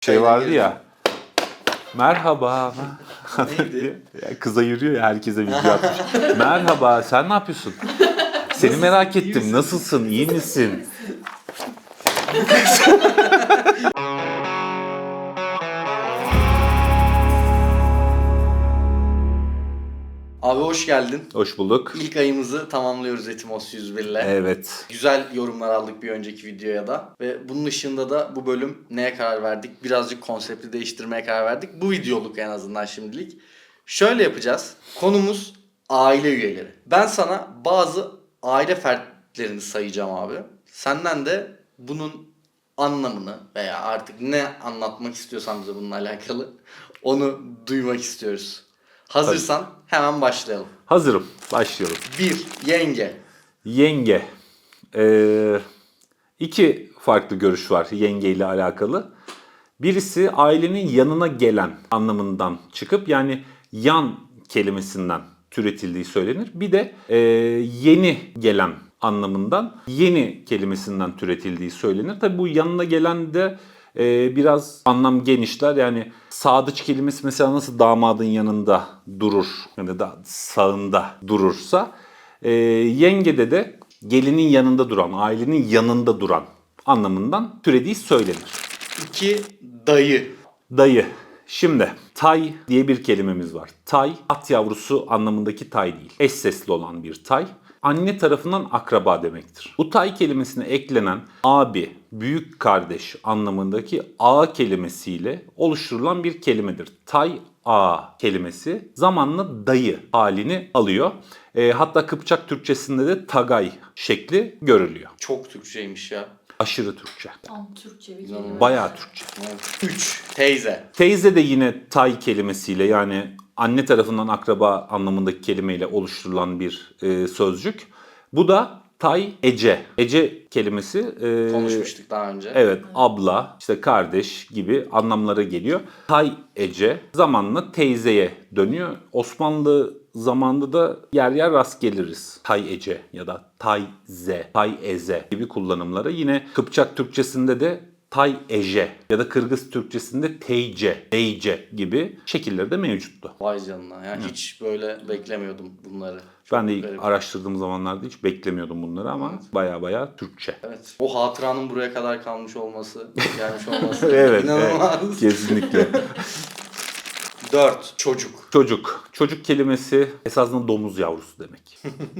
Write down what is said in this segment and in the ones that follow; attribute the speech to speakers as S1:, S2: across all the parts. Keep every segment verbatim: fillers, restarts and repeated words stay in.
S1: Şey vardı ya. Merhaba.
S2: Neydi?
S1: Ya kıza yürüyor ya, herkese video atmış. Merhaba, sen ne yapıyorsun? Seni merak ettim. Nasılsın? İyi misin?
S2: Abi hoş geldin.
S1: Hoş bulduk.
S2: İlk ayımızı tamamlıyoruz Etimos yüz bir ile.
S1: Evet.
S2: Güzel yorumlar aldık bir önceki videoya da. Ve bunun ışığında da bu bölüm neye karar verdik? Birazcık konsepti değiştirmeye karar verdik. Bu videoluk en azından şimdilik. Şöyle yapacağız. Konumuz aile üyeleri. Ben sana bazı aile fertlerini sayacağım abi. Senden de bunun anlamını veya artık ne anlatmak istiyorsan bize bununla alakalı onu duymak istiyoruz. Hazırsan hemen başlayalım.
S1: Hazırım. Başlayalım.
S2: bir. Yenge.
S1: Yenge. Ee, iki farklı görüş var yenge ile alakalı. Birisi ailenin yanına gelen anlamından çıkıp yani yan kelimesinden türetildiği söylenir. Bir de e, yeni gelen anlamından yeni kelimesinden türetildiği söylenir. Tabi bu yanına gelen de e, biraz anlam genişler. Yani sadıç kelimesi mesela nasıl damadın yanında durur yani da sağında durursa e, yengede de gelinin yanında duran, ailenin yanında duran anlamından türediği söylenir.
S2: iki. Dayı.
S1: Dayı. Şimdi tay diye bir kelimemiz var. Tay, at yavrusu anlamındaki tay değil. Eş sesli olan bir tay. Anne tarafından akraba demektir. Bu tay kelimesine eklenen abi, büyük kardeş anlamındaki a kelimesiyle oluşturulan bir kelimedir. Tay a kelimesi zamanla dayı halini alıyor. E, hatta Kıpçak Türkçesinde de tagay şekli görülüyor.
S2: Çok Türkçeymiş ya.
S1: Aşırı Türkçe.
S3: Tam Türkçe bir kelime.
S1: Bayağı Türkçe.
S2: üç. Teyze.
S1: Teyze de yine tay kelimesiyle yani anne tarafından akraba anlamındaki kelimeyle oluşturulan bir e, sözcük. Bu da tay ece. Ece kelimesi e,
S2: Konuşmuştuk daha önce.
S1: evet abla, işte kardeş gibi anlamlara geliyor. Tay ece zamanla teyzeye dönüyor. Osmanlı zamanında da yer yer rast geliriz. Tay ece ya da tayze, tay eze gibi kullanımlara. Yine Kıpçak Türkçesinde de tay eje ya da Kırgız Türkçesinde teyce, beyce gibi şekilleri de mevcuttu.
S2: Vay canına. Yani hiç böyle beklemiyordum bunları. Çok
S1: Ben de ilk
S2: garip.
S1: araştırdığım zamanlarda hiç beklemiyordum bunları ama baya baya Türkçe.
S2: Evet. O hatıranın buraya kadar kalmış olması, gelmiş olması
S1: Evet,
S2: inanılmaz.
S1: evet, kesinlikle.
S2: dört. Çocuk.
S1: Çocuk. Çocuk kelimesi esasında domuz yavrusu demek.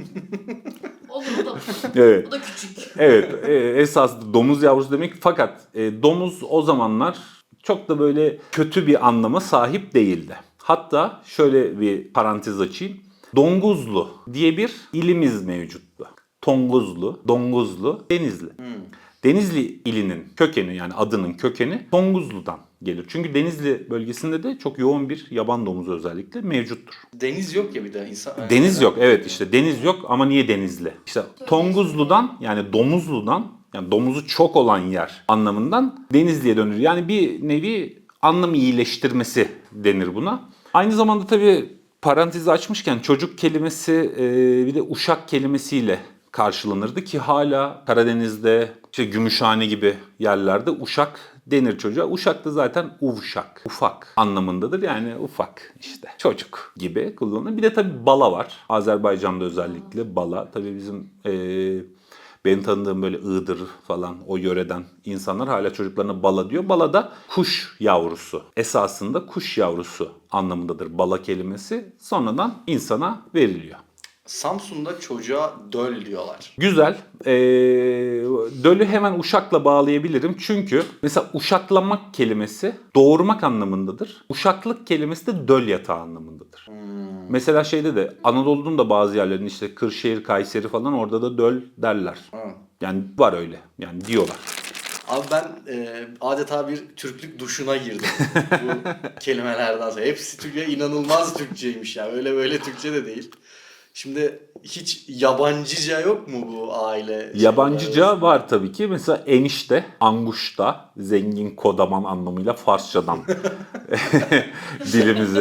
S3: Olur o da.
S1: Evet.
S3: O da küçük.
S1: Evet, e, esasında domuz yavrusu demek fakat e, domuz o zamanlar çok da böyle kötü bir anlama sahip değildi. Hatta şöyle bir parantez açayım. Donguzlu diye bir ilimiz mevcuttu. Tonguzlu, Donguzlu, Denizli.
S2: Hmm.
S1: Denizli ilinin kökeni yani adının kökeni Tonguzlu'dan gelir. Çünkü Denizli bölgesinde de çok yoğun bir yaban domuzu özellikle mevcuttur.
S2: Deniz yok ya bir de insan.
S1: Deniz yok, evet, işte deniz yok ama niye Denizli? İşte Tonguzlu'dan yani Domuzlu'dan yani domuzu çok olan yer anlamından Denizli'ye dönür. Yani bir nevi anlam iyileştirmesi denir buna. Aynı zamanda tabii parantezi açmışken çocuk kelimesi e, bir de uşak kelimesiyle karşılanırdı ki hala Karadeniz'de işte Gümüşhane gibi yerlerde uşak denir çocuğa. Uşak da zaten uvşak, ufak anlamındadır. Yani ufak işte çocuk gibi kullanılır. Bir de tabii bala var. Azerbaycan'da özellikle bala. Tabii bizim e, benim tanıdığım böyle Iğdır falan o yöreden insanlar hala çocuklarına bala diyor. Bala da kuş yavrusu. Esasında kuş yavrusu anlamındadır bala kelimesi. Sonradan insana veriliyor.
S2: Samsun'da çocuğa döl diyorlar.
S1: Güzel. Ee, dölü hemen uşakla bağlayabilirim. Çünkü mesela uşaklamak kelimesi doğurmak anlamındadır. Uşaklık kelimesi de döl yatağı anlamındadır.
S2: Hmm.
S1: Mesela şeyde de Anadolu'nun da bazı yerlerinde işte Kırşehir, Kayseri falan orada da döl derler.
S2: Hı.
S1: Yani var öyle. Yani diyorlar.
S2: Abi ben e, adeta bir Türklük duşuna girdim bu kelimelerden sonra. Hepsi Türkçe inanılmaz Türkçeymiş ya. Öyle böyle Türkçe de değil. Şimdi hiç yabancıca yok mu bu aile?
S1: Yabancıca var tabii ki. Mesela enişte, anguşta, zengin kodaman anlamıyla Farsçadan dilimize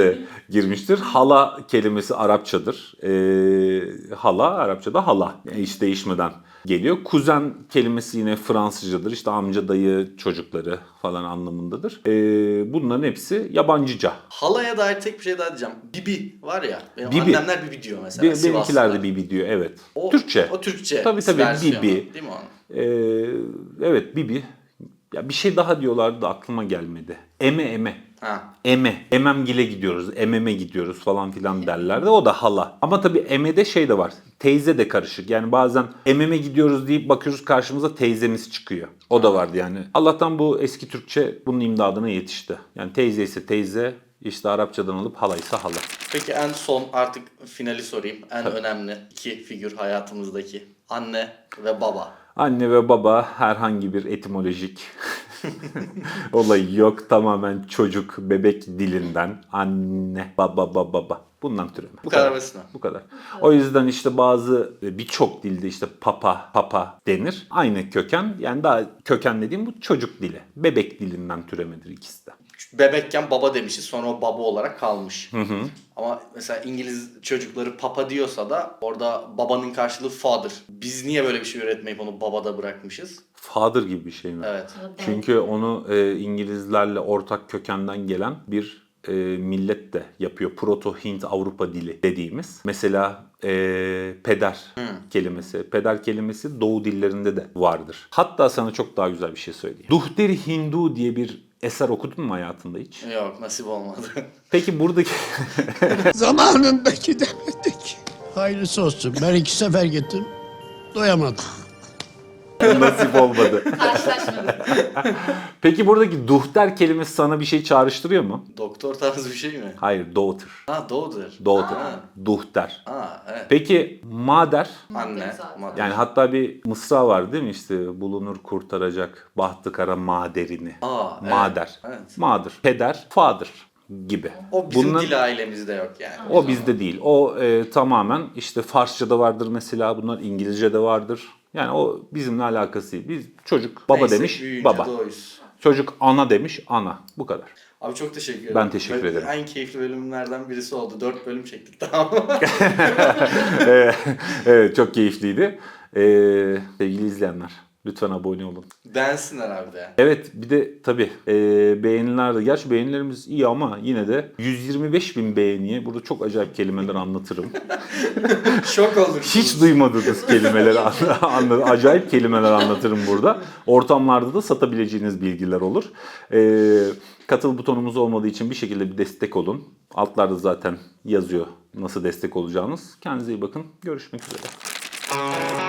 S1: girmiştir. Hala kelimesi Arapçadır. Ee, hala Arapçada hala. Yani hiç değişmeden geliyor. Kuzen kelimesi yine Fransızcadır. İşte amca, dayı, çocukları falan anlamındadır. Ee, bunların hepsi yabancıca.
S2: Halaya dair tek bir şey daha diyeceğim. Bibi var ya. Benim
S1: Bibi.
S2: annemler Bibi diyor mesela.
S1: Be-
S2: Sivaslılar.
S1: benimkiler de Bibi diyor, evet.
S2: O,
S1: Türkçe.
S2: O Türkçe.
S1: Tabii tabii,
S2: versiyonu,
S1: Bibi.
S2: Değil mi onun?
S1: Ee, evet, Bibi. Ya bir şey daha diyorlardı da aklıma gelmedi. Eme eme.
S2: Ha.
S1: Eme. Ememgile gidiyoruz, ememe gidiyoruz falan filan derlerdi. O da hala. Ama tabii emede şey de var. Teyze de karışık. Yani bazen ememe gidiyoruz deyip bakıyoruz karşımıza teyzemiz çıkıyor. O da vardı yani. Allah'tan bu eski Türkçe bunun imdadına yetişti. Yani teyze ise teyze, işte Arapçadan alıp hala ise hala.
S2: Peki en son artık finali sorayım. En önemli iki figür hayatımızdaki. Anne ve baba.
S1: Anne ve baba herhangi bir etimolojik olayı yok. Tamamen çocuk, bebek dilinden anne, baba, baba, baba. Bundan türeme.
S2: Bu kadar basit mi?
S1: Bu kadar. O yüzden işte bazı birçok dilde işte papa, papa denir. Aynı köken, yani daha köken dediğim bu çocuk dili. Bebek dilinden türemedir ikisi de.
S2: Bebekken baba demişiz, sonra o baba olarak kalmış. Hı hı. Ama mesela İngiliz çocukları papa diyorsa da orada babanın karşılığı father. Biz niye böyle bir şey üretmeyip onu babada bırakmışız?
S1: Father gibi bir şey mi?
S2: Evet.
S1: Çünkü onu e, İngilizlerle ortak kökenden gelen bir e, millet de yapıyor. Proto-Hint Avrupa dili dediğimiz. Mesela e, peder kelimesi. Peder kelimesi Doğu dillerinde de vardır. Hatta sana çok daha güzel bir şey söyleyeyim. Duhteri Hindu diye bir eser okudun mu hayatında hiç?
S2: Yok, nasip olmadı.
S1: Peki buradaki...
S4: Zamanında gidemedik. Hayırlısı olsun. Ben iki sefer gittim. Doyamadım.
S1: Nasip olmadı.
S3: Karşılaşmadık.
S1: Peki buradaki duhter kelimesi sana bir şey çağrıştırıyor mu?
S2: Doktor tarzı bir şey mi?
S1: Hayır, daughter.
S2: Ha, doğudur.
S1: Daughter.
S2: Ha.
S1: Duhter.
S2: Ha, evet.
S1: Peki mader?
S2: Anne.
S3: zaten.
S2: Mother.
S1: Yani hatta bir mısra var değil mi, işte bulunur kurtaracak bahtı kara maderini.
S2: Aa, evet,
S1: Mader.
S2: evet.
S1: Mother. Peder. Father gibi.
S2: O bizim
S1: Bunlar-
S2: dil ailemizde yok yani.
S1: O bizde değil. O e, tamamen işte Farsça'da vardır mesela, bunlar İngilizce'de vardır. Yani o bizimle alakası değil. Biz çocuk baba
S2: Neyse,
S1: demiş,
S2: büyüyünce
S1: baba.
S2: doğuyuz.
S1: Çocuk ana demiş, ana. Bu kadar.
S2: Abi çok teşekkür ederim.
S1: Ben teşekkür
S2: Ve
S1: ederim.
S2: En keyifli bölümlerden birisi oldu. Dört bölüm çektik, tamam mı?
S1: Evet, evet, çok keyifliydi. Ee, sevgili izleyenler, lütfen abone olun.
S2: Beğensinler abi de.
S1: Evet, bir de tabii e, beğeniler de, gerçi beğenilerimiz iyi ama yine de yüz yirmi beş bin beğeniye burada çok acayip kelimeler anlatırım.
S2: Şok olursunuz.
S1: Hiç duymadığınız kelimeleri anla- anla- acayip kelimeler anlatırım burada. Ortamlarda da satabileceğiniz bilgiler olur. Ee, katıl butonumuz olmadığı için bir şekilde bir destek olun. Altlarda zaten yazıyor nasıl destek olacağınız. Kendinize iyi bakın. Görüşmek üzere.